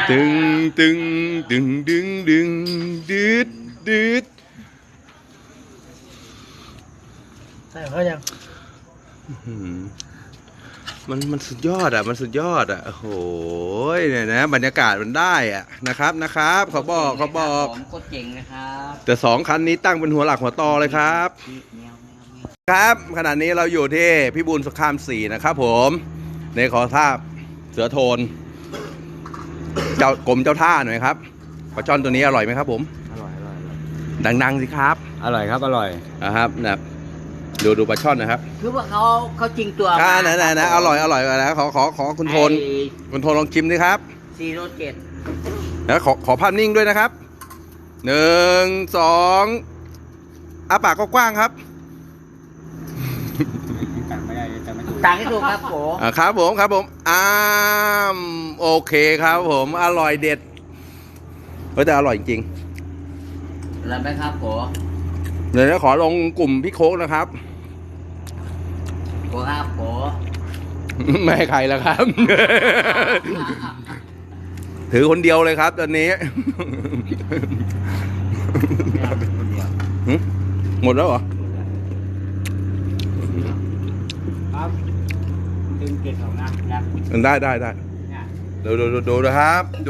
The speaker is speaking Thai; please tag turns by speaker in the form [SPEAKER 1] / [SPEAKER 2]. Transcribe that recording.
[SPEAKER 1] ตึงตึงดึงดึงดึงดืดดืด
[SPEAKER 2] ใส่เขายัง
[SPEAKER 1] มันสุดยอดอ่ะมันสุดยอดอ่ะโอ้โหเนี่ยนะบรรยากาศมันได้อ่ะนะครับเขาบอก
[SPEAKER 3] ผมโคตรเจ๋งนะครับ
[SPEAKER 1] แต่สองคันนี้ตั้งเป็นหัวหลักหัวตอเลยครับครับขณะนี้เราอยู่ที่พิบูลสงคราม4นะครับผมในขอท่าเสือโทนเจ้ากรมเจ้าท่าหน่อยครับปลาช่อนตัวนี้อร่อยไหมครับผม
[SPEAKER 3] อร่อย
[SPEAKER 1] ดังๆสิครับ
[SPEAKER 3] อร่อยครับอร่อย
[SPEAKER 1] นะครับนะดูปลาช่อนนะครับ
[SPEAKER 3] คือว่าเขาจริงตัว
[SPEAKER 1] นะอร่อยนะขอคุณโทนลองชิมดิครับ
[SPEAKER 3] 407
[SPEAKER 1] แล้วขอภาพนิ่งด้วยนะครับ1 2อ้าปากกว้างๆครับ
[SPEAKER 3] ต่างให้ถูกครับโผ
[SPEAKER 1] ครับผมโอเคครับผมอร่อยเด็ดแต่อร่อยจริง
[SPEAKER 3] แล้วไหมครับโผ
[SPEAKER 1] เดี๋ยวขอลงกลุ่มพี่โค้กนะครับ
[SPEAKER 3] โผครับโผ
[SPEAKER 1] ไม่ให้ใครแล้วครับ ถือคนเดียวเลยครับตอนนี้ หมดแล้วเหรอ
[SPEAKER 3] ครับตึงเกล็ดของนะ
[SPEAKER 1] ได้ดูนะครับ